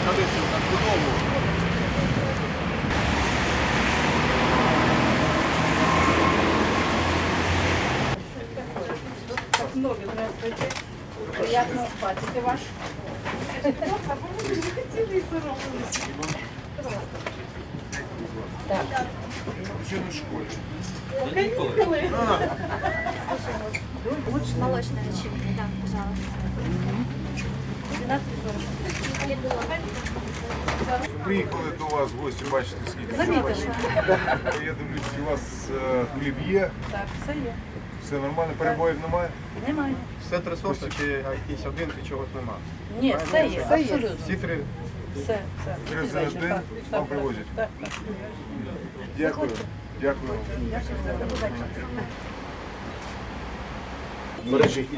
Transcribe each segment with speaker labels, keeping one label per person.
Speaker 1: колись додому.
Speaker 2: Ноги, здравствуйте. Приятно бачити вас.
Speaker 1: Ще не в школі.
Speaker 3: Молочная начинка, да, пожалуйста. 12,40.
Speaker 1: Приїхали до вас в гості, бачите, скільки
Speaker 2: Замітили.
Speaker 1: Я дивлюсь, у вас хліб є,
Speaker 2: Так, все є.
Speaker 1: все нормально, перебоїв немає?
Speaker 2: Немає.
Speaker 4: Все три сорти чи якийсь один, чи чогось нема?
Speaker 2: Ні, все є, абсолютно.
Speaker 4: Всі три.
Speaker 2: Все, все.
Speaker 1: Три за
Speaker 2: Звичайно,
Speaker 1: день
Speaker 2: так,
Speaker 1: вам
Speaker 2: так,
Speaker 1: привозять?
Speaker 2: Так, так.
Speaker 1: Дякую. Дякую. Бережіть.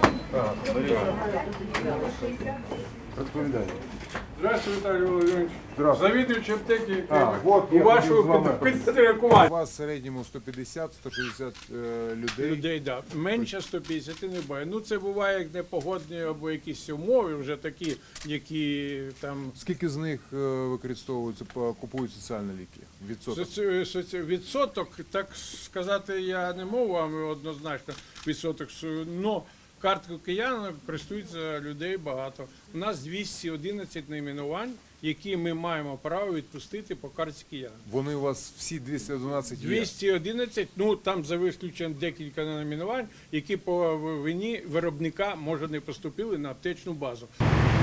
Speaker 1: Розповідайте.
Speaker 5: Здравствуйте, Віталій Володимирович.
Speaker 1: Здравствуйте.
Speaker 5: Завідуючий аптеки
Speaker 1: от
Speaker 5: у
Speaker 1: я
Speaker 5: вашого
Speaker 1: хотів з вами.
Speaker 5: підпорядкування.
Speaker 1: У вас в середньому 150-160 людей.
Speaker 5: Людей, да. Менше 150 не буває. Ну це буває як непогодні або якісь умови вже такі, які там
Speaker 1: Скільки з них використовуються, купують соціальні ліки? Відсоток?
Speaker 5: відсоток, так сказати, я не можу вам однозначно відсоток, но карткою киян користуються людей багато. У нас 211 найменувань, які ми маємо право відпустити по картці киян.
Speaker 1: Вони у вас всі 212 є?
Speaker 5: 211, ну там за виключенням декілька найменувань, які по вині виробника, може, не поступили на аптечну базу.